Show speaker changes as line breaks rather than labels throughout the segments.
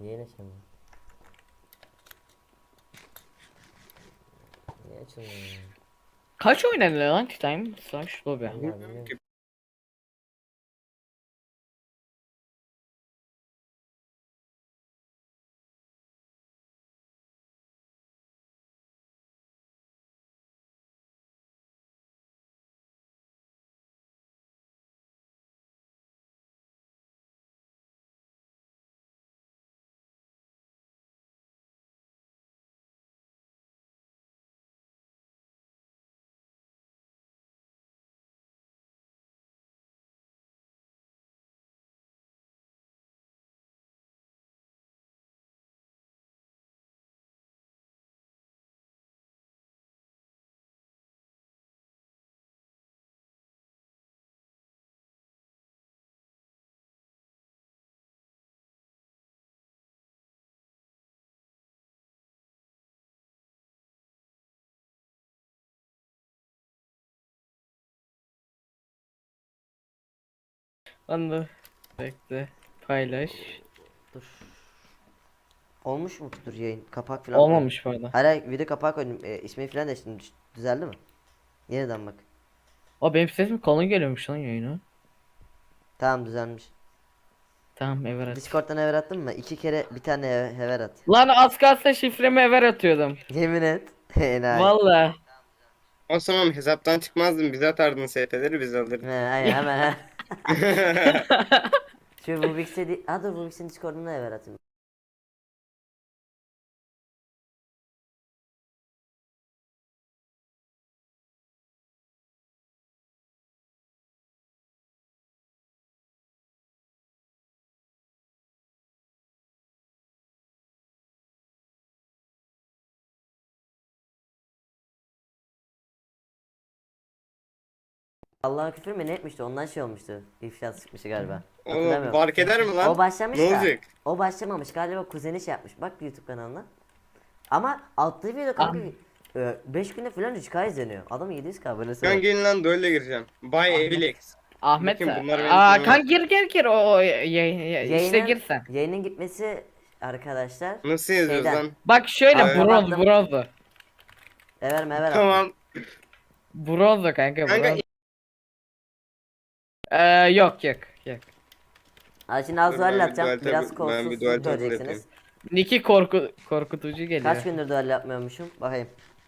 Niye açamıyor? Niye açılmıyor ya?
Kaç oynanıyor lan Time Slash Lobby?
Vallahi bilmiyorum.
Anladım. Bekle. Paylaş.
Dur. Olmuş mudur yayın? Kapak falan koy.
Olmamış bu arada.
Hala video kapağı koydum. İsmi falan değiştirdim. Düzeldi mi? Yeniden bak.
O benim sesim kalın geliyormuş lan yayına.
Tamam düzelmiş.
Tamam evet.
Discord'dan haber attın mı? 2 kere bir tane haber at.
Lan az kalsın şifremi ever atıyordum.
Yemin et. Enayi.
Valla.
O zaman hesaptan çıkmazdın, bize atardın SP'leri, biz alırdık.
Aynen hemen. Şu Rubik'se dur Rubik'sin Discord'una haber atayım. Allah'a küfür mü ne etmişti? Ondan şey olmuştu. İfşa çıkmıştı galiba.
Oğlum
Hatırlamıyorum.
fark eder mi lan?
O başlamış
Ne
da.
olacak?
O başlamamış. Galiba kuzeni şey yapmış. Bak YouTube kanalına. Ama attığı video kanka 5 günde falan 3K izleniyor. Adam 700K abonesi
Ben
var.
gelin lan duelle gireceğim. Bay Evilex.
Ahmet.
Bakayım bunlar benim
Aa
tanımam.
kan gir işte
Yayının,
gir sen.
yayının gitmesi arkadaşlar.
Nasıl yazıyoruz
Şeyden.
lan?
Bak şöyle
Abi,
bronz
kapattım.
bronz.
Ver
Tamam.
Bronz kanka
Kanka
bronz. Yok.
Şimdi az
Dur,
duel
ben bir
atacağım.
duel
Biraz
tabi- ben bir duel
kolsuz
tabi
göreceksiniz.
Niki korkutucu geliyor.
Kaç gündür duel yapmıyormuşum? Bakayım.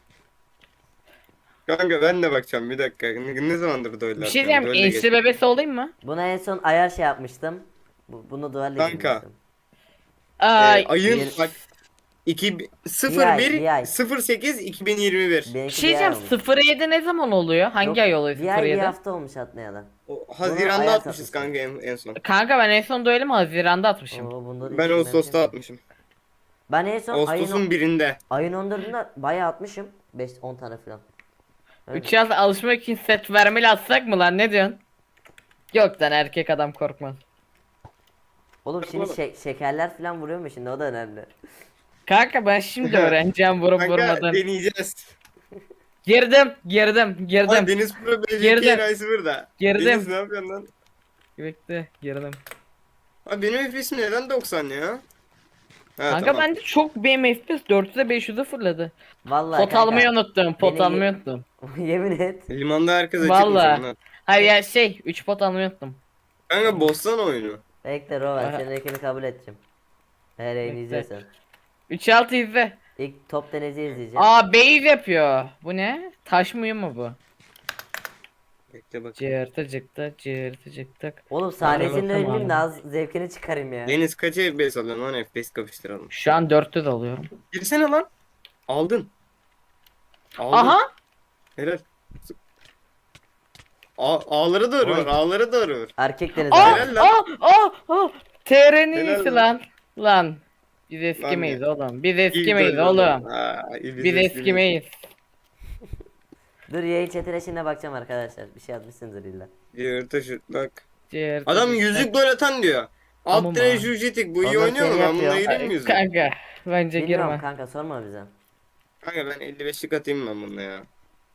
kanka ben de bakacağım bir dakika. Ne zamandır duelle
Bir şey
atmıyorum?
diyeyim,
Duelle
enişte
geç.
bebesi olayım mı?
Buna en son ayar şey yapmıştım. Bunu duelle
Kanka.
girmiştim.
Ayın
bir-
bak
Bir ay.
08 2021.
Bir
Benimki
şey
bir ay
diyeceğim,
olmuş.
07 ne zaman oluyor? Hangi
Yok,
ay oluyor
bir ay bir
07?
hafta olmuş atmayalı.
O
Bunu
Haziran'da
ayar
atmışız
satmıştım.
kanka en son.
Kanka ben en son duelimi Haziran'da atmışım.
Oo, bunda da
Ben
hiç
Ağustos'ta
bilmem.
atmışım.
Ben en son
Ağustos'un birinde.
ayın 14'ünde bayağı atmışım. 5-10 tane falan. Evet.
3 yaz alışmak için set vermeli atsak mı lan, ne diyorsun? Yok lan, erkek adam korkmaz.
Oğlum şimdi şekerler falan vuruyor mu şimdi, o da önemli.
Kanka ben şimdi öğreneceğim vurup
Kanka
vurmadan.
deneyeceğiz.
Girdim.
Aa, Deniz Pro BJK
Girdim.
Enayi'si burada.
Girdim.
Deniz ne yapıyorsun lan?
Bekle, girdim.
Abi benim FPS'im neden 90 ya? Ha,
Kanka
tamam.
bende çok, benim FPS 400'e 500'e fırladı.
Vallahi
Pot
kanka.
almayı unuttum. Pot
beni
almayı
ye-
unuttum.
Yemin et.
Limanda herkes açıkmış
Valla.
onlar.
Hayır ya 3 pot almayı unuttum.
Kanka bozsana oyunu.
Bekle Rover,
Aha.
senin ekini kabul edeceğim. Eğer yayını
Bekle.
izliyorsan.
3-6 izle.
İlk top denezi izleyeceğim.
Aa, base yapıyor. Bu ne? Taş mı mu bu?
Bekle bak.
Cırtı cıkta.
Oğlum sahnesinde
bakalım
ölmeyeyim
abi.
de az zevkini çıkarayım ya.
Deniz kaç FPS alıyorsun lan, FPS kapıştıralım.
Şu an 4'te de alıyorum.
Girsene lan. Aldın. Aldın.
Aha!
Helal. Ağları doğru
Oy.
var. Ağları doğru var.
Erkek deniz
Aa!
abi.
Helal lan.
TR'nin
Helal
iyisi
lan.
lan. Biz eskimeyiz
ya.
oğlum. Biz
İyi
eskimeyiz
doydu
oğlum.
Biz
Biz eskimeyiz.
Dur yayın chatine şimdi bakacağım arkadaşlar. Bir şey atmışsındır illa.
Yırtı şutlak.
Cırtı
Adam
cıkta.
yüzük gol atan diyor.
Tamam
Alt tire
abi.
Jujetik bu iyi
Ondan
oynuyor mu?
seni
Ben bununla
yapıyor.
gireyim mi yüzük?
Kanka bence
Bilmiyorum
girme.
kanka, sorma bize.
Kanka ben 55'lik atayım ben bununla ya.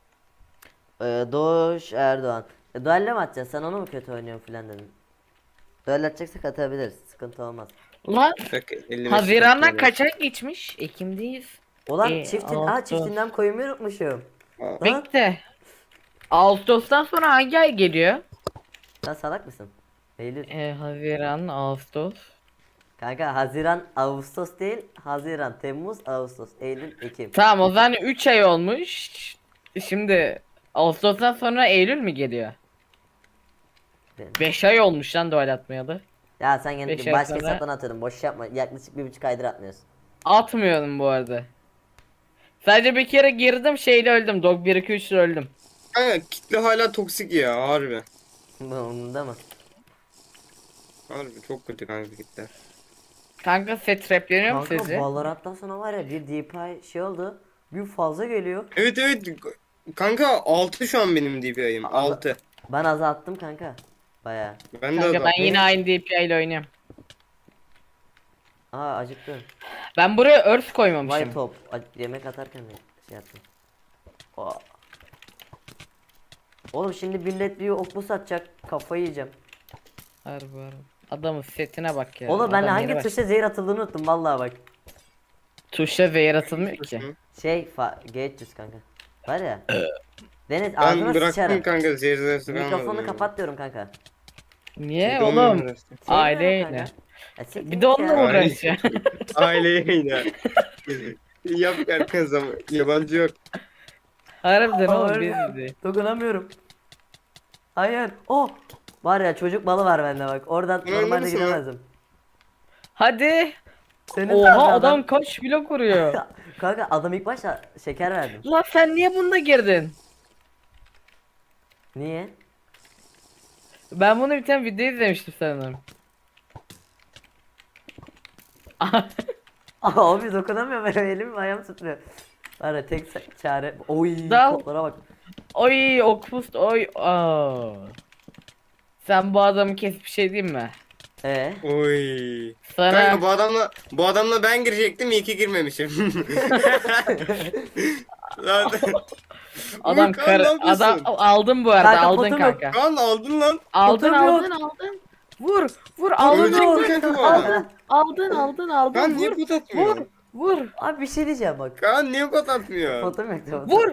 Doğuş Erdoğan. Duelle mi atacağız? Sen onu mu kötü oynuyorsun filan dedin. Duelle atacaksak atabiliriz. Sıkıntı olmaz.
Lan
Bak 55
Haziran'dan
dakika
kaç ay geçmiş? Ekim'deyiz.
Ulan
Ağustos.
çiftinden koymayı unutmuşum.
oluyor.
Lan
Bekle. Ağustos'tan sonra hangi ay geliyor?
sen salak mısın? Eylül.
Haziran, Ağustos.
Kanka Haziran, Ağustos değil. Haziran, Temmuz, Ağustos, Eylül, Ekim.
Tamam o zaman 3 ay olmuş. Şimdi Ağustos'tan sonra Eylül mü geliyor?
Benim.
5 ay olmuş lan doğal atmayalı.
Ya sen
Beş
yine
ay
başka
sonra-
hesaptan atıyorum. Boş yapma. Yaklaşık 1,5 aydır atmıyorsun.
Atmıyorum bu arada. Sadece bir kere girdim şeyle öldüm. Dog 1 2 3'le öldüm.
Kanka kitle hala toksik ya harbi.
Umurumda mı?
Harbi çok kötü kanka kitle.
Kanka set trapleniyor mu
Kanka
sizi?
Valorant'tan sonra var ya bir DPI şey oldu. Bir fazla geliyor.
Evet evet kanka 6 şu an benim DPI'm 6.
Ben azalttım kanka. Baya.
Ben de
Kanka
adam.
ben yine aynı DPI ile oynuyorum.
Aa acıktım.
Ben buraya örs
Vay
koymamışım.
top. Yemek atarken de şey yaptım. Aa. Oğlum şimdi millet bir oklu satacak. Kafayı yiyeceğim.
Harbi harbi. Adamın setine bak ya.
Oğlum ben
Adam
hangi
yeni
tuşa zehir atıldığını unuttum vallahi bak.
Tuşa zehir atılmıyor ki.
G300 kanka. Var ya. Deniz
Ben
ağzına
bıraktım
sıçarım.
kanka zehirlerse
Mikrofonu kapat diyorum kanka.
Niye oğlum?
Sevmiyorum
Aileyle.
kanka. Ya siktir
Bir de
git
onunla
ya.
uğraşıyor.
Aileye yine. Yap erken zaman. Yabancı yok.
Harbiden oğlum
Harbiden.
biz de.
Dokunamıyorum. Hayır. Oh. Var ya çocuk balı var bende bak. Oradan
Öyle
normalde
misin lan?
giremezdim.
Hadi.
Senin
Oha
tarzı
adam kaç blok vuruyor.
Kanka adam ilk başta şeker verdim.
Lan sen niye bunda girdin?
Niye?
Ben bunu bir tane video izlemiştim sanırım.
Aa, abi dokunamıyorum benim elim ayağım tutmuyor. Var ya tek çare. Oy
Dal.
toplara bak.
Oy okpust oy. Aa. Sen bu adamı kesip bir şey diyeyim mi?
Oy.
Sana
Kanka bu adamla ben girecektim iyi ki girmemişim. Lan.
adam
Kaan,
kar
ne yapıyorsun?
adam aldın bu arada
Kanka,
aldın
potum yok.
kanka.
Kaan aldın lan.
Aldın
Potum yok.
aldın. Vur aldın
Ölecek mi
aldın.
kanka bu adam?
Aldın
Kaan niye
vur.
pot atmıyor?
Vur.
Abi bir şey diyeceğim bak.
Kaan niye pot atmıyor?
Fotom yok. Fotom.
Vur.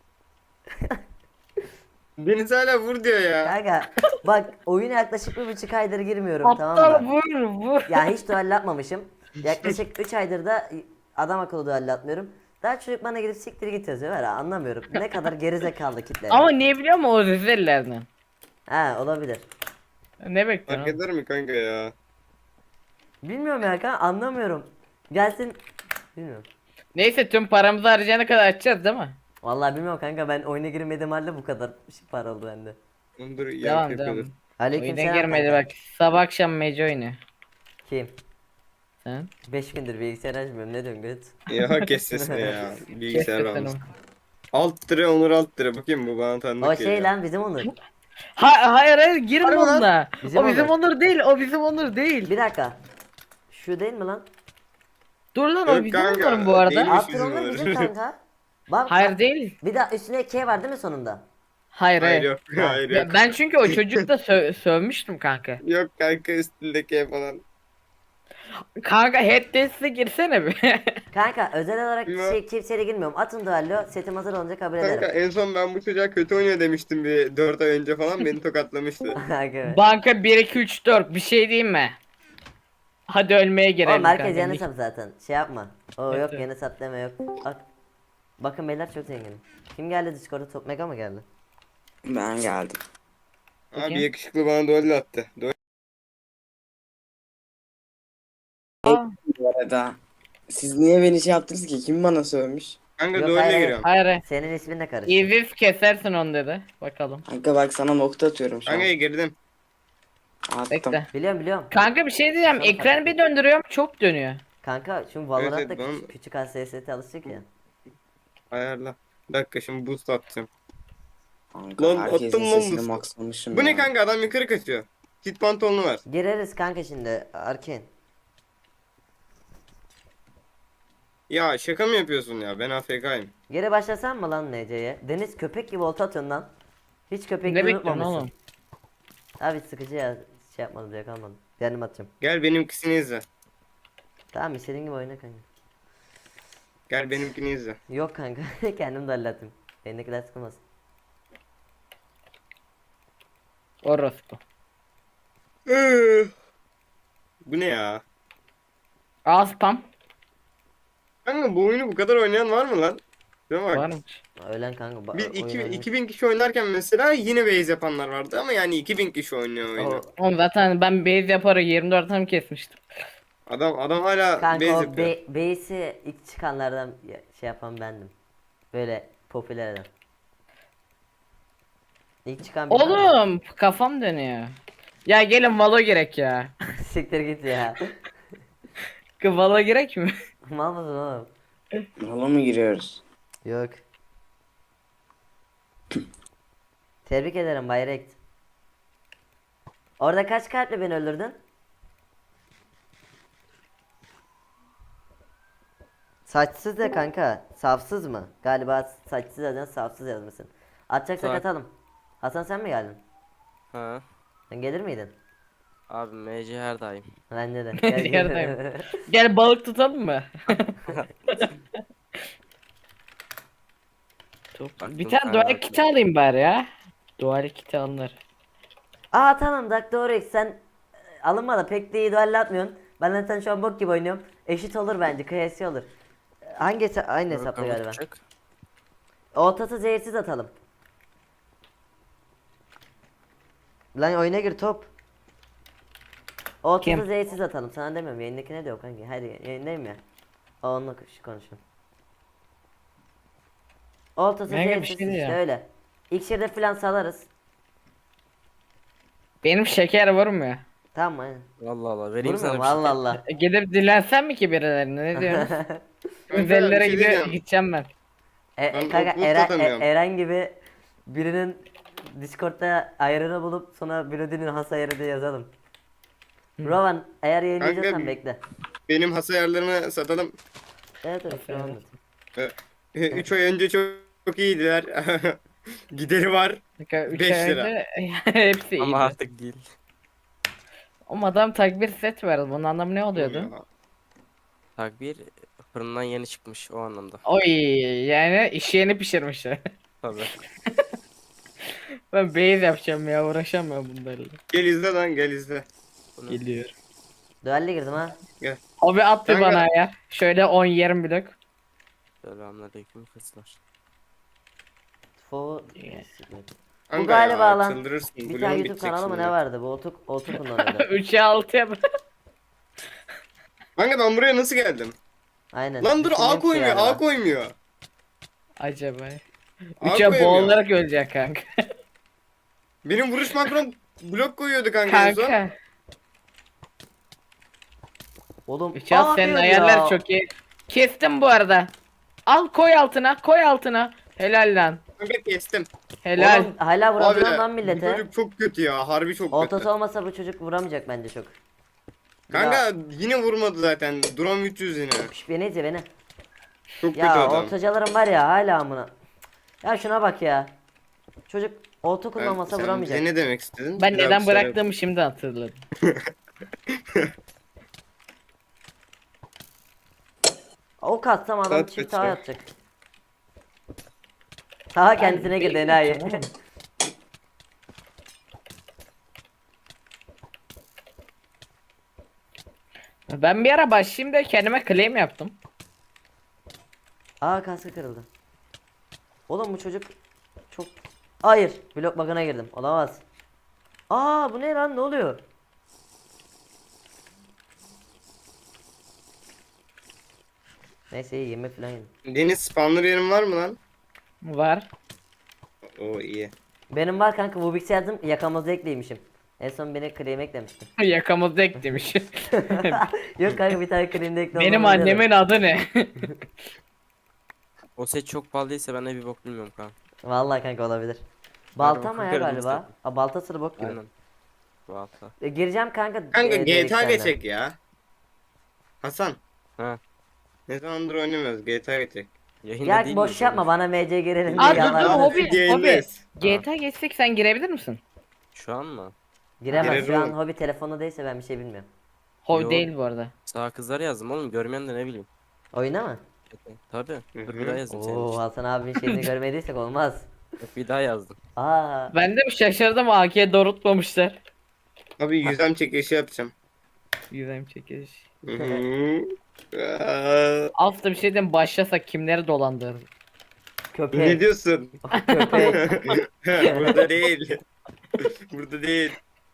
Deniz hala vur diyor ya.
Kanka bak oyuna yaklaşık 1,5 aydır girmiyorum tamam
Aptal
mı?
vur.
Ya hiç duel atmamışım. Yaklaşık 3 aydır da adam akıllı duel atmıyorum. Daha çocuk bana gidip siktir git yazıyor var ya anlamıyorum. Ne kadar gerizekalı kitle.
Ama niye biliyor musun o rezillerden?
He olabilir.
Ne bekliyorsun?
Fark eder mi kanka ya?
Bilmiyorum ya kanka anlamıyorum. Gelsin. Bilmiyorum.
Neyse tüm paramızı harcayana kadar açacağız değil mi?
Vallahi bilmiyorum kanka ben oyuna girmediğim halde bu kadar para oldu bende.
Onu dur
Devam
yapıyordur.
devam.
Aleykümselam
Oyuna girmedi
kanka.
bak. Sabah akşam mece oynuyor.
Kim?
Sen?
5 gündür bilgisayar açmıyorum ne diyorsun göt?
Ya kes sesini ya. Bilgisayar
Kes
almış.
sesini.
Alt lira Onur alt lira. Bakayım bu bana tanıdık
O şey
geliyor.
lan bizim Onur.
Hayır girme
Harbi lan.
onunla.
Bizim
O bizim
Onur.
Onur değil. O bizim Onur değil.
Bir dakika. Şu değil mi lan?
Dur lan
Yok
o bizim
kanka,
Onur'un bu arada.
değil.
Alt
bizim
Onur
Onur.
bizim kanka. Bak,
Hayır
bak.
değil.
Bir daha üstüne K var değil mi sonunda?
Hayır
Hayır
hayır.
yok. Hayır yok.
Ben çünkü o çocukla sövmüştüm kanka.
Yok kanka üstündeki falan.
Kanka head dance'e girsene bir.
Kanka özel olarak
Ya.
kimseyle girmiyorum. Atın duello setim hazır olunca kabul
Kanka
ederim.
en son ben bu çocuğa kötü oynuyor demiştim bir 4 ay önce falan beni tokatlamıştı.
Kanka.
Banka 1 2 3 4 bir şey diyeyim mi? Hadi ölmeye girelim
Oğlum herkes
kanka.
yeni hesap zaten. Şey yapma. O
Evet,
yok
evet.
yeni hesap deme yok. Bak. Bakın beyler çok zenginim. Kim geldi Discord'a? Top Mega mı geldi?
Ben geldim.
Abi yakışıklı bana duel attı.
Aa,
Bu arada siz niye beni şey yaptınız ki? Kim bana sövmüş?
Kanka
Yok,
duelle
hayır.
giriyorum.
hayır.
Senin ismin de karıştı.
İzif kesersin onu dedi. Bakalım.
Kanka bak sana nokta atıyorum şu an.
Kanka girdim.
Attım.
Bekle.
Biliyorum.
Kanka bir şey diyeceğim.
Sana
Ekranı
fark
bir döndürüyorum çok dönüyor.
Kanka şimdi Valorant'ta
Evet, evet,
küçük hassasiyete alıştık ya.
Ayarla. Bir dakika şimdi boost atacağım.
Kanka
Lan
herkesin
attım lan
sesini
bu-
maxlamışım
Bu
ya.
ne kanka adam yukarı kaçıyor. Kit pantolonu var.
Gireriz kanka şimdi Arkin.
Ya şaka mı yapıyorsun ya ben AFK'yim.
Geri başlasan mı lan NC'ye? Deniz köpek gibi olta atıyorsun lan. Hiç köpek
Ne
gibi
bekliyorsun
unutmamışsın.
oğlum?
Abi sıkıcı ya. Şey yapmadım diye kalmadım. Kendim atacağım.
Gel benimkisini izle.
Tamam istediğin gibi oyna kanka.
Gel benimkini izle.
Yok kanka kendim de hallettim. Elindekiler sıkılmasın.
Orospu.
Bu ne ya?
Aa spam.
Kanka bu oyunu bu kadar oynayan var mı lan? Değil mi bak?
Varmış.
Ölen kanka.
Biz
oyun oynuyor.
2000 kişi oynarken mesela yine base yapanlar vardı ama yani 2000 kişi oynuyor oyunu.
Oğlum zaten ben base yaparak 24 tam kesmiştim.
Adam hala base
Kanka o
yapıyor.
base'i ilk çıkanlardan şey yapan bendim. Böyle popüler adam. İlk çıkan biri var mı?
Oğlum kafam dönüyor. Ya gelin Valo gerek ya.
Siktir git ya.
Valo gerek mi?
Mal mısın oğlum?
Hala mı giriyoruz?
Yok. Tebrik ederim Bay Rekt. Orada kaç kalple beni öldürdün? Saçsız de kanka. Safsız mı? Galiba saçsız yazacaksın, safsız yazmışsın. Atacaksak
Bak.
atalım. Hasan sen mi geldin?
Ha.
Sen gelir miydin?
Abi MC her daim.
Bence de. Gel, gel.
Yerdeyim. Gel balık tutalım mı? Bir tane dual kiti alayım bari ya. Dual kiti alınır.
Aa tamam Dr. X sen alınma da pek de iyi duel atmıyorsun. Ben zaten şu an bok gibi oynuyorum. Eşit olur bence, kıyasi olur. Hangi aynı hesapta galiba. Ortası zehirsiz atalım. Lan oyuna gir top. Ortası
Kim?
zehirsiz atalım. Sana demiyorum. Yayındakine de yok hangi. Hadi yayındayım ya. Onunla konuşalım. Ortası
Mega bir
zehirsiz
şey
işte
ya.
öyle. İksirde falan salarız.
Benim şeker vurmuyor.
Tamam aynen.
Allah Allah vereyim sana
Vurmuyorum
bir şey.
Allah Allah.
Gidip dilensen mi ki birilerine ne diyorsun?
bir
Üzerlere
şey diyeceğim.
gideceğim ben.
Ben
Kanka
okul satamıyorum.
Eren gibi birinin Discord'da ayarını bulup sonra Blood'inin has ayarı diye yazalım. Rowan eğer yayınlayacaksan
Kanka,
bekle.
Benim has ayarlarımı satalım.
Evet evet şu an.
3 ay önce çok iyiydiler. Gideri var.
3
5
ay
lira.
önce hepsi iyiydi.
Ama artık değil.
Ama adam takbir set verdi. Bunun anlamı ne oluyordu?
Takbir fırından yeni çıkmış o anlamda.
Oy yani iş yeni pişirmişler.
Tabii.
Ben base yapacağım ya uğraşamıyorum bunlarla.
Gel izle lan gel izle.
Geliyor.
Duelle girdim ha.
Gel.
Abi at bir
Kanka-
bana ya. Şöyle 10-20 blok.
Selamünaleyküm kızlar.
Fo
Kanka
galiba
ya,
lan.
çıldırırsın.
Bir
Bloğun
tane YouTube
bitecek
kanalı mı
şimdi.
ne vardı? Bu otuk kullanıyordu.
3'e 6'ya
Kanka ben buraya nasıl geldim?
Aynen.
Lan dur
Düşündüğüm
A
şey
koymuyor
galiba.
A koymuyor.
Acaba.
A
3'e
koymuyor.
boğularak ölecek kanka.
Benim vuruş makrom blok koyuyordu kanka en son.
Kanka.
Oğlum.
3'e at senin
diyor
ayarlar
ya.
çok iyi. Kestim bu arada. Al koy altına koy altına. Helal lan.
Kanka kestim.
Helal.
Oğlum hala
Abi
vuramıyor lan
bu
millete.
çocuk çok kötü ya harbi çok
Ortası
kötü.
olmasa bu çocuk vuramayacak bence çok.
Kanka yine vurmadı zaten. Duram 300 yine.
Şş, beni izle beni.
Çok kötü
Ya
adam.
ortacalarım var ya hala amına. Ya şuna bak ya. Çocuk orta kullanmasa
Sen
vuramayacak.
bize ne demek istedin?
Ben
Bir daha
neden
bir söyle.
bıraktığımı şimdi hatırladım.
O katsam adam
Saat
çift
kaç
sağa
ya?
yatacak. Sağa kendisine girdi enayi.
Ben bir ara başlayayım da kendime claim yaptım.
Aa kaskı kırıldı. Oğlum bu çocuk çok... Hayır blok bug'ına girdim. Olamaz. Aa bu ne lan ne oluyor? Neyse iyi yemek falan yedim.
Deniz spawner yerin var mı lan?
Var.
Oo iyi.
Benim var kanka bu bilgisayar yazdım yakamazda ekleymişim. En son beni claim eklemiştim.
Yakamızda ek demiş.
Yok kanka bir tane claim'de ekle
Benim
olmamız
annemin adı ne?
O set çok pahalıysa ben de bir bok bilmiyorum kanka.
Vallahi kanka olabilir. Balta mı ya
bakarım
galiba?
istedim.
Aa, balta sırı bok gibi.
Aynen. Bu hafta.
Gireceğim kanka.
Kanka
direkt
GTA
seninle.
geçecek ya. Hasan.
Ha.
Ne zamandır oynamıyoruz GTA geçecek.
Yayında
Ya
değil
boş
miyiz
yapma
oğlum?
bana MC girelim
Aa,
diye
dur, dur,
yalvardım.
hobi, hobi.
Yayındayız.
GTA geçsek sen girebilir misin?
Şu an mı?
Giremez
Girerim
şu an
oğlum.
hobi telefonu değilse ben bir şey bilmiyorum.
Hobi
Yo.
değil bu arada.
Sağ kızlar yazdım oğlum, görmeyen de ne bileyim.
Oyuna mı?
Tabii.
Hı
Dur
hı.
bir daha yazdım senin
Oo
için.
Hasan abinin şeyini görmediysek olmaz.
Yok, bir daha yazdım.
Aa.
Ben de bir şaşırdım, AK'ye doğrultmamışlar.
Abi yüzem çekilişi yapacağım.
Yüzem çekiş.
Hı hı. Aa,
Aslında bir şeyden başlasak kimleri dolandırır?
Ne
Köpek.
diyorsun?
Köpek.
Burada değil. Burada değil.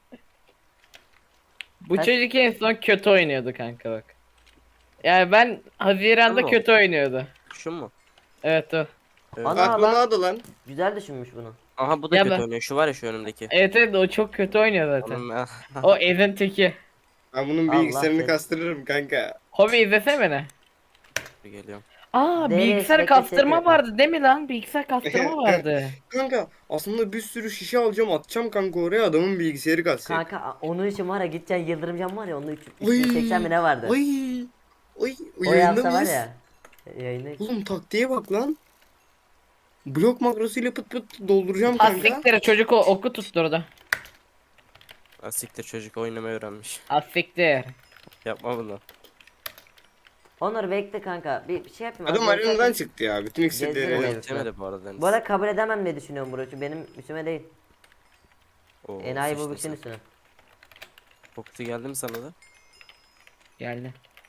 Bu
Kaç-
çocuk en son kötü oynuyordu kanka bak. Yani ben Haziran'da
Tamam.
kötü oynuyordu.
Şu mu?
Evet o.
Evet.
Ana
Aklıma
lan.
adı lan.
Güzel düşünmüş bunu.
Aha bu da
Ya
kötü
ben-
oynuyor. Şu var ya, şu önümdeki.
Evet evet, o çok kötü oynuyor zaten.
Onun
O Ezin teki.
Ben bunun
Allah
bilgisayarını
seni.
kastırırım kanka.
Hobi izlesene beni.
geliyorum.
Aa,
Deniz,
bilgisayar
bekle,
kastırma
çekme.
vardı değil mi lan? Bilgisayar kastırma vardı.
Kanka aslında bir sürü şişe alacağım, atacağım kanka oraya, adamın bilgisayarı kasacak.
Kanka onun için var ya, gideceksin Yıldırım Cam var ya, onun
Oy.
380 mi ne vardı?
Oy. Oy.
O
Yayında
yapsa var
mıyız?
ya. Yayında.
Oğlum taktiğe bak lan. Blok makrosuyla pıt pıt dolduracağım kanka.
Asiktir çocuk oku tutturdu.
Asiktir, çocuk oynamayı öğrenmiş.
Asiktir.
Yapma bunu.
Onur bekle kanka. Bir şey yapayım.
Adam
Az
arenadan
bekle.
çıktı ya. Bütün
Gezdirin
iksirleri.
evi.
Yemedi bu arada Deniz.
Bu arada kabul edemem diye düşünüyorum bro. Çünkü benim üstüme değil.
Oo,
Enayi bu
sıçtın
bükün
sen.
üstüne.
Koktu geldi mi sana da?
Geldi.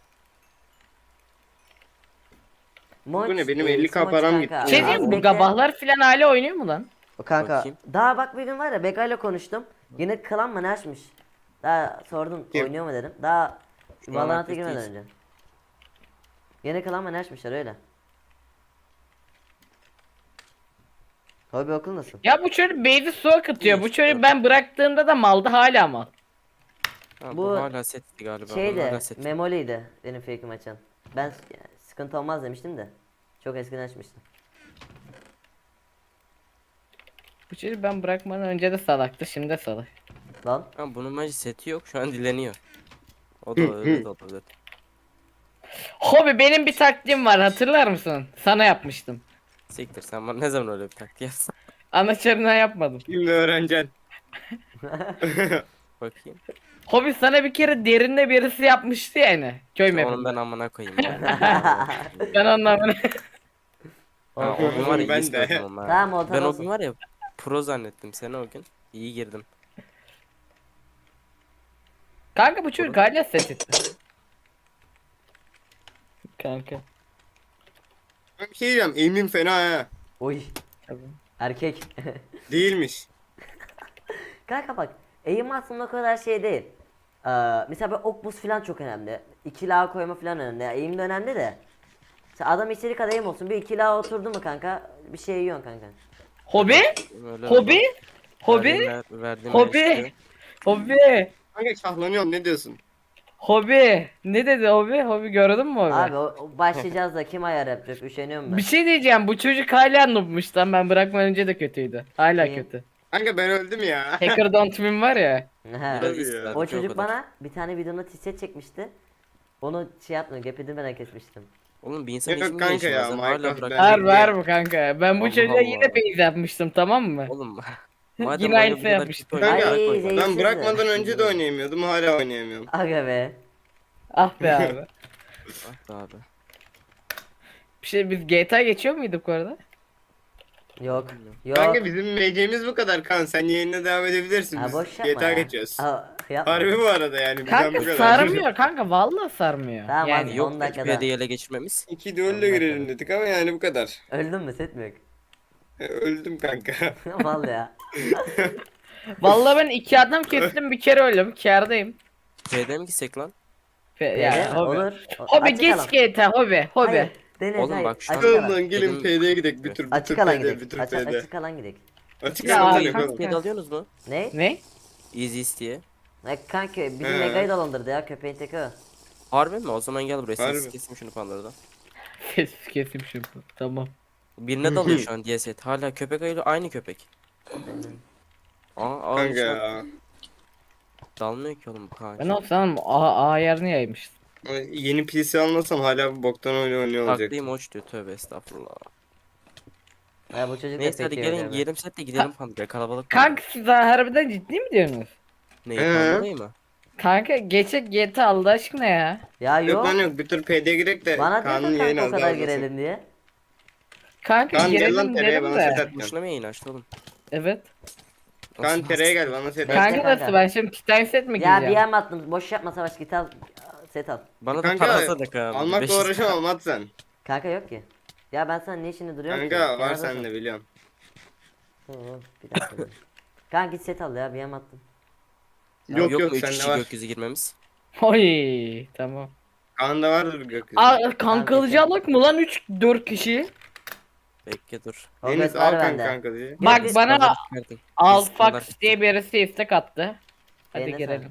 Moç,
Bu ne, benim
e,
50K
Smoç
param
kanka.
gitti.
Şey
Az
diyeyim mi, bu
bekle.
gabahlar filan hala oynuyor mu lan?
O kanka.
Bakayım.
Daha bak bir gün var ya, Beka ile konuştum. Yine klan mı ne açmış? Daha sordum
Kim?
oynuyor mu dedim. Daha
Şu an
Valorant'a
aktif
girmeden
değilsin.
önce. Yine klan mı ne açmışlar öyle. Hobi okul nasıl?
Ya bu çocuk base'i su akıtıyor. Bu çocuk ben bıraktığımda da maldı, hala mal.
Ha,
Bu
bu hala setti galiba. Bunun
Şeydi,
hala set.
Memoli'ydi benim fake'im açan. Ben yani sıkıntı olmaz demiştim de. Çok eskiden açmıştım.
Bu çocuk ben bırakmadan önce de salaktı, şimdi de salak.
Lan.
Ha, bunun bence seti yok, şu an dileniyor. O da öyle de olabilir.
Hobi, benim bir taktiğim var, hatırlar mısın? Sana yapmıştım.
Siktir, sen bana ne zaman öyle bir taktiği yapsın?
Anaçarına yapmadım.
Şimdi öğreneceksin.
Bakayım.
Hobi, sana bir kere derinde birisi yapmıştı yani. Köy
Onun
mapinde.
ben amına koyayım ya.
Ben anlamını.
Ha, o gün var ya,
Ben
iyi
de.
ispiyordum ha.
Tamam, ortada
Ben o
olsun.
gün var ya pro zannettim seni o gün. İyi girdim.
Kanka bu çocuk hala set etti. Kanka.
Ben bir şey diyeceğim. Aim'im fena ha.
Oy.
Tabii.
Erkek.
Değilmiş.
Kanka bak, eğim aslında o kadar şey değil. Mesela böyle ok buz falan çok önemli. İkili ağ koyma falan önemli. Yani eğim de önemli de. Mesela adam içeri kadar eğim olsun. Bir ikili ağ oturdu mu kanka, bir şey yiyorsun kanka.
Hobi?
Öyle
Hobi?
oldu.
Hobi?
Verdiğim
Hobi?
eleştiri.
Hobi?
Kanka şahlanıyorum, ne diyorsun?
Hobi? Ne dedi hobi? Hobi gördün mü hobi?
Abi o başlayacağız da kim ayar yapacak, üşeniyorum ben.
Bir şey diyeceğim, bu çocuk hala noobmuş lan, ben bırakmadan önce de kötüydü. Hala
İyi.
kötü.
Kanka ben öldüm ya.
Hacker Don't Win var ya.
He.
Biraz
Tabii
iyisin
ya.
zaten,
O
çok
çocuk
kadar.
bana bir tane videomda tişet çekmişti. Onu şey yapmıyor, gap edilmeden kesmiştim.
Oğlum bir insan
Yok
için mi
kanka
değişmez
ya,
lan? Hala
Minecraft
bırak.
ben-
Var var mı kanka? Ben bu
Allah
çocuğa
Allah.
yine base yapmıştım, tamam mı?
Oğlum. Madem
Yine
oyunu
aynısı
bu kadar
yapmıştım.
kötü oynuyorsun,
Ay,
bırak oyunu.
zeytin.
Ben bırakmadan önce de oynayamıyordum, hala oynayamıyorum.
Aga be.
Ah be abi.
Ah be abi.
Bir şey, biz GTA geçiyor muyduk bu arada?
Yok. Yok.
Kanka bizim MC'miz bu kadar kan. Sen yayına devam edebilirsin.
Ha,
Biz
boş yapma
GTA
ya.
geçiyoruz.
Yapma.
Harbi bu arada yani. Bizden
Kanka
bu kadar.
sarmıyor kanka, vallahi sarmıyor.
Tamam
Yani
abi.
Yok
10
be,
dakikada.
PD'yi ele geçirmemiz.
İki düello girelim dedik ama yani bu kadar.
Öldün mü, set mi yok?
Öldüm kanka.
Vallahi ya.
vallahi ben 2 adam kestim, bir kere öldüm, kârdayım.
PD mi gitsek lan?
Ya,
Hobi.
olur.
Hobi
Açık
geç
alan.
GTA hobi. Hobi.
Hayır, Deniz,
Oğlum
hayır.
bak şu an-
Açık alan.
Lan gelin
Dedim-
PD'ye gidelim bir tur.
Açık
bir tur
alan
PD,
gidelim.
bir tur
Açık,
PD.
açık alan gidelim.
Açık
Ya,
alan
kanka.
gidelim oğlum.
PD alıyorsunuz mu?
Ne?
Ne?
Easy diye.
Kanka bizim
He.
Mega'yı dolandırdı ya, köpeğin teki o.
Harbi mi? O zaman gel buraya.
Harbi.
Ses keseyim şunu panlarda.
Kesim şunu. Tamam.
Birine dalıyor şu an DSet. Hala köpek ayıyla aynı köpek. Aa,
Kanka
şu an
ya.
dalmıyor ki oğlum bu kanka.
Ben olsam A yerini yaymıştım.
Yeni PC almasam hala bu boktan oyunu oynuyor olacak.
Taklıyım hoş diyor, tövbe estağfurullah.
Ya bu çocuk
Neyse
da
hadi
pek iyi
gelin
oynuyor.
giyelim set de gidelim pandaya, kalabalık.
Kanka siz daha harbiden ciddi mi diyorsunuz?
Neyi,
He.
pandayı mı?
Kanka geçek GTA Allah aşkına ya.
Ya
Yok
yok.
lan yok, bir tur PD'ye girek de
Bana
Kaan'ın
dedin
yayın
kanka o
az daha
kadar
uzasın.
girelim diye.
Kanka
Kaan gel lan
girelim
tereye,
dedim
bana set
de.
at.
Boşuna mı yayın açtı oğlum?
Evet.
Kaan
Nasıl
tereye gel, bana set
Bekle
at.
Kanka
kanka.
nasıl ben şimdi Titan set mi
Ya bir
giyeceğim?
yem attım. Boş yapma Savaş, git al. Set al.
Bana da
Kanka
para atsana Kaan.
almakla
500
uğraşamam, at sen.
Kanka yok ki. Ya ben sana ne işini duruyorum ki?
Kanka var
Kenarda
sende
dur.
biliyorum.
Bir dakika. Kanka git set al ya, bir yem attım.
Yok
yok
yok,
mu 3
sende
kişi
var.
gökyüzü girmemiz?
Oy tamam.
Kaan'da vardır gökyüzü.
Aa kankalıcı alak mı lan 3-4 kişi?
Bekle dur.
O
Deniz
göz var
al
bende.
kanka diye.
Bak
biz-
bana
Buraları çıkartın.
Alfax diye birisi istek attı. Hadi
Eline
girelim.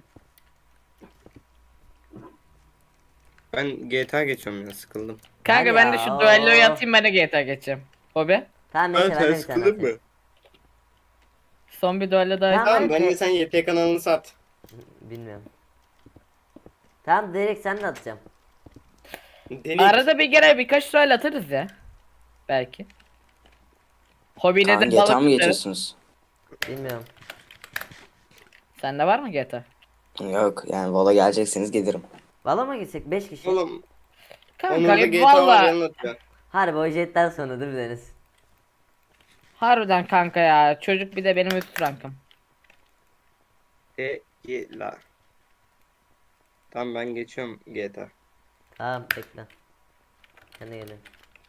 Ben GTA geçiyorum ya, sıkıldım.
Kanka
Hadi
ben de
ya,
şu
oo.
duelloyu atayım, ben de GTA geçeceğim. Hobi.
Tamam
Ben
neyse ben
sen
de bir tane
sıkıldın
atayım.
mı?
Son bir duello daha
Tamam.
Tamam,
ben
ben
de-
de sen YT kanalını sat.
Bilmiyorum. Tamam direkt sen de atacağım.
Deniz.
arada bir kere birkaç duel atarız ya. Belki. Hobi
Kaan
nedir
GTA mı
balık tutarız.
geçiyorsunuz?
Bilmiyorum.
Sende var mı GTA?
Yok yani Valla gelecekseniz gelirim.
Valla mı gitsek 5 kişi?
Oğlum
Kanka
Onur'da GTA var,
valla
yanına atıyor.
Harbi o jetten sonra değil mi Deniz?
harbiden kanka ya, çocuk bir de benim üst rankım.
La. Tamam ben geçiyorum GTA.
Tamam bekle. Ben de geliyorum.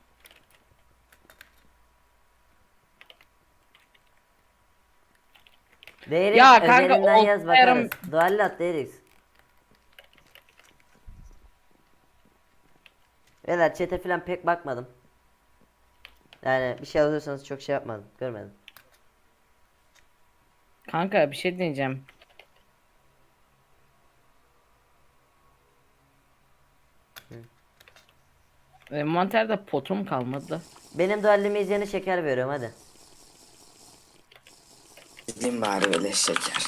Değeriz
Ya kanka,
özelinden yaz
olsayarım-
bakarız. Dualle at değeriz. Beyler chat'e falan pek bakmadım. Yani bir şey alıyorsanız çok şey yapmadım. Görmedim.
Kanka bir şey diyeceğim. Envanterde potum kalmadı.
Benim dualleme izleyene şeker veriyorum hadi.
Gideyim bari böyle şeker.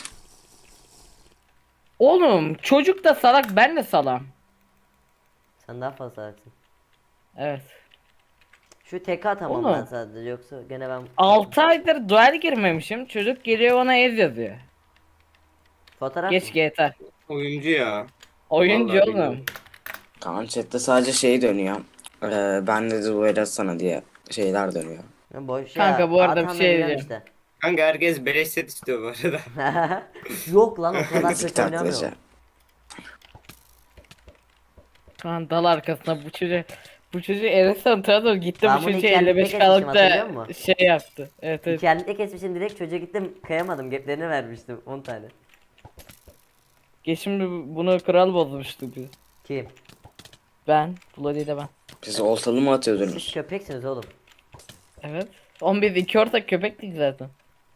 Oğlum çocuk da salak, ben de salam.
Sen daha fazla atsın.
Evet.
Şu tek atamam
Oğlum.
ben sadece, yoksa gene ben
6 aydır duel girmemişim. Çocuk geliyor bana ez yazıyor.
fotoğraf
Geç
mı?
GTA.
Oyuncu ya.
Oyuncu
Vallahi
oğlum.
bilmiyorum.
Kaan chatte sadece şey dönüyor. Ben de duel atsana diye şeyler dönüyor.
Ya boş
Kanka,
ya.
bu arada bir
atan da
şey
biliyorum
diyeceğim.
Kanka herkes beleş set istiyor bu arada.
Yok lan, o kadar
Ezik
kötü
taklacı.
oynamıyorum.
Kan dal arkasına bu çocuğu Eresen tanıdım, gitti
Ben
bu
bunu
çocuğu
hikayede
55
kesmişim,
kalıp
hatırlıyor
da
musun?
şey yaptı. Evet evet.
İnternette kesmişim, direkt çocuğa gittim kayamadım, gaplerini vermiştim 10 tane.
Geçim bunu kral bozmuştu biz.
Kim?
Ben. Bloody de ben.
Siz oltalı mı
Siz
atıyordunuz?
köpeksiniz oğlum.
Evet. Biz iki ortak köpektik zaten.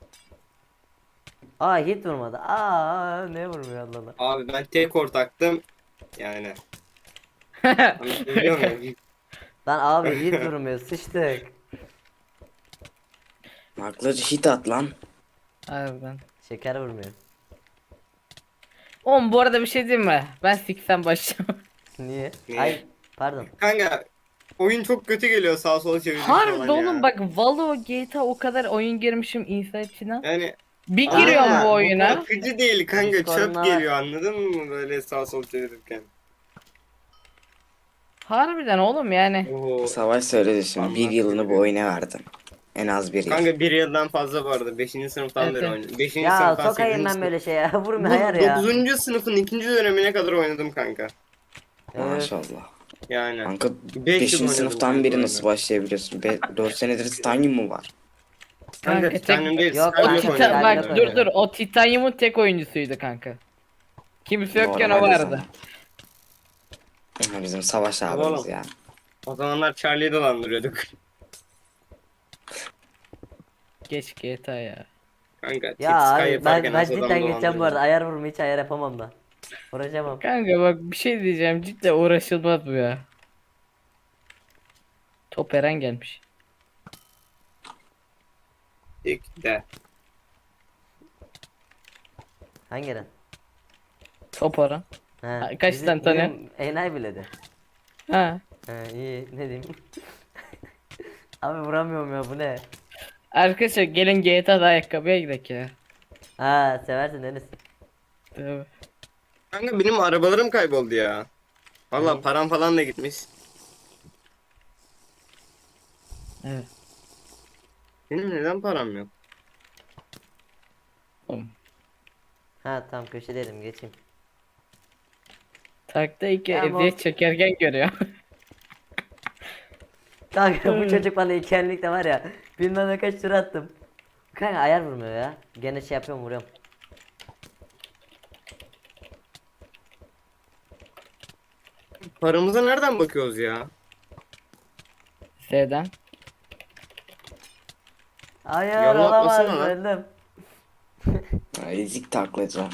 Aa hit vurmadı. Aa ne vurmuyor Allah Allah.
Abi ben tek ortaktım. Yani. Anlatabiliyor muyum?
Lan abi hit vurmuyor, sıçtık.
Taklacı hit at lan.
Harbiden.
Şeker vurmuyor.
Oğlum bu arada bir şey diyeyim mi? Ben 80 başlayacağım.
Niye?
Niye?
Ay pardon.
Kanka oyun çok kötü geliyor, sağa sola çevirdik
Harbi
falan
oğlum
ya.
bak, Valo GTA o kadar oyun girmişim insan içine.
Yani
Bir
Aa,
giriyorum
bu
bu oyuna.
akıcı değil kanka,
Discord'un
çöp
var.
geliyor, anladın mı böyle sağa sola çevirirken.
Harbiden oğlum yani.
Oo.
Savaş söyledi şimdi. Bir
Anlat
yılını bu
dedi.
oyuna verdin. En az bir yıl.
Kanka bir yıldan fazla vardı. 5. sınıftan
Evet,
beri
evet.
oynadım. 5.
Ya
sınıftan
sokayım
8.
ben
sınıf.
böyle şey ya. Vurma hayır ya.
9. sınıfın 2. dönemine kadar oynadım kanka.
Evet.
Maşallah.
Yani.
Kanka
5
5.
yıl oynadım
sınıftan
kanka
beri
oyunu.
nasıl başlayabiliyorsun? 4 senedir Titanium mu var?
Kanka
Kanka,
Titanium değil.
Yok,
O
ben
Skylock
Titan-
oynadım.
bak
Skylock
dur
oynadım.
o Titanium'un tek oyuncusuydu kanka. Kimse yokken o
Normal o
vardı.
zaman. Bizim savaş abimiz
Oğlum.
ya.
O zamanlar Charlie'yi dolandırıyorduk.
Geç GTA ya.
Kanka
Ya
Sky
abi
yaparken
ben
az adam
cidden geçeceğim bu arada.
dolandırıyorduk.
Ayar vurma, hiç ayar yapamam da. Uğraşamam.
Kanka bak bir şey diyeceğim, cidden uğraşılmaz bu ya. Top Eren gelmiş.
İlk de.
Hangi ren?
Top Eren.
Ha,
Kaç tane tanıyor?
bizim Enayi bile de.
Ha.
Ha iyi, ne diyeyim. Abi vuramıyorum ya, bu ne?
Arkadaşlar gelin GTA'da ayakkabıya gidelim ya.
Ha seversin Deniz.
Tabii.
Kanka benim arabalarım kayboldu ya. Valla
Ne?
param falan da gitmiş.
Evet.
Benim neden param yok?
Oğlum.
Ha tamam köşedeydim geçeyim.
Takta iki
Tamam.
eziyet çekerken görüyor.
Kanka bu çocuk bana ikenlik de var ya. Bilmem ne kaç tur attım. Kanka ayar vurmuyor ya. Gene şey yapıyorum vuruyorum.
Paramıza nereden bakıyoruz ya?
Sevden.
Hayır
Yallah
olamaz
atmasana lan.
öldüm.
Ya, ezik taklacı.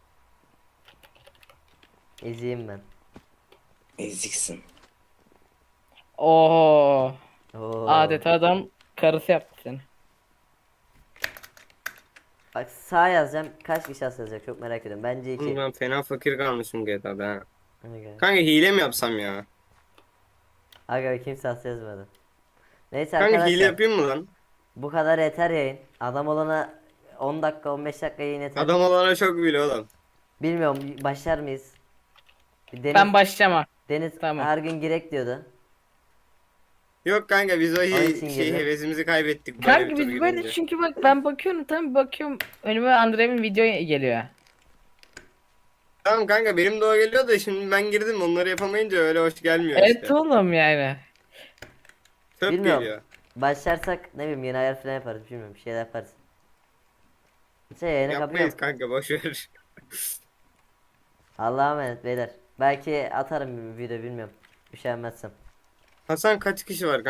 İzleyeyim ben.
Eziksin.
Oo.
Oo.
Adeta adam karısı yaptı seni.
Bak sağ yazacağım. Kaç kişi yazacak çok merak ediyorum. Bence
Oğlum
2.
ben fena fakir kalmışım GTA'da ha. Kanka hile mi yapsam ya?
Aga kimse as yazmadı. Neyse
Kanka hile
arkadaşlar.
yapayım mı lan?
Bu kadar yeter yayın. Adam olana 10 dakika 15 dakika yayın yeter.
Adam olana çok bile oğlum.
Bilmiyorum başlar mıyız? Deniz,
Ben başlama.
Deniz
Tamam.
her gün girek diyordu.
Yok kanka biz o
Onun için
şey
girdim.
hevesimizi kaybettik. Böyle
Kanka
bir
biz
tur
böyle
gidince.
çünkü bak ben bakıyorum tam bakıyorum önüme Andre'nin video geliyor.
Tamam kanka benim de o geliyor da şimdi ben girdim onları yapamayınca öyle hoş gelmiyor
Evet
işte.
oğlum yani.
Çöp
Bilmiyorum.
geliyor.
Başlarsak ne bileyim yeni ayar falan yaparız bilmiyorum bir şeyler yaparız. Şey yayını
Yapmayız
kapıyorum.
kanka boş ver.
Allah'a emanet beyler. Belki atarım bir video bilmiyorum. Üşenmezsem.
Hasan kaç kişi var